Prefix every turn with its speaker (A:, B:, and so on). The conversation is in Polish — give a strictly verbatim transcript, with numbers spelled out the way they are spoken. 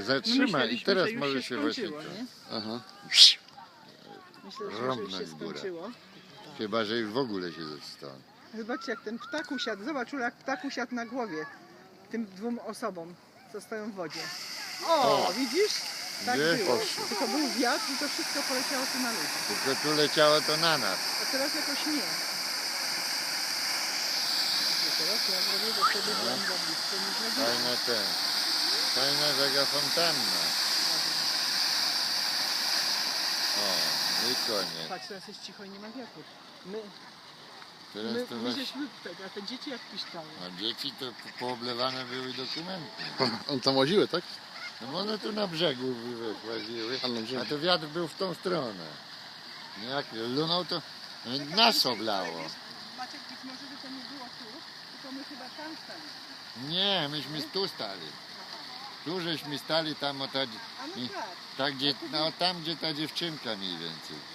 A: zatrzyma i
B: myśleliśmy,
A: teraz
B: że już
A: może
B: się
A: się właśnie
B: skończyło,
A: to...
B: nie?
A: Aha.
B: Myślę, że już się
A: Rąbnąć w górę.
B: skończyło.
A: Chyba, że już w ogóle się zostało.
B: Zobaczcie, jak ten ptak usiadł. Zobacz, Ula, jak ptak usiadł na głowie tym dwóm osobom, co stoją w wodzie. O,
A: O!
B: widzisz? Tak
A: Nie
B: było.
A: poszło.
B: Tylko był wiatr i to wszystko poleciało tu na ludzi.
A: Tylko tu leciało to na nas.
B: A teraz jakoś nie. I teraz ja zrobię do siebie byłam za blisko niż na górę.
A: Fajna ten. Fajna taka fontanna. O, i koniec.
B: Patrz, teraz jest cicho i nie ma wiatru. My,
A: Teraz
B: my,
A: to
B: my
A: właśnie...
B: żeśmy tego, a te dzieci jak piszczały.
A: A dzieci to pooblewane były dokumenty.
C: On tam łaziły, tak?
A: No bo one tu na brzegu łaziły,
C: A na brzegu.
A: a to wiatr był w tą stronę. Jak lunął to nas oblało.
B: Maciek, być może, że to nie było tu, tylko my chyba tam stali.
A: Nie, myśmy tu stali. Tu żeśmy stali tam o ta,
B: A no
A: i-
B: tak.
A: tak gdzie, no, tam gdzie ta dziewczynka mniej więcej.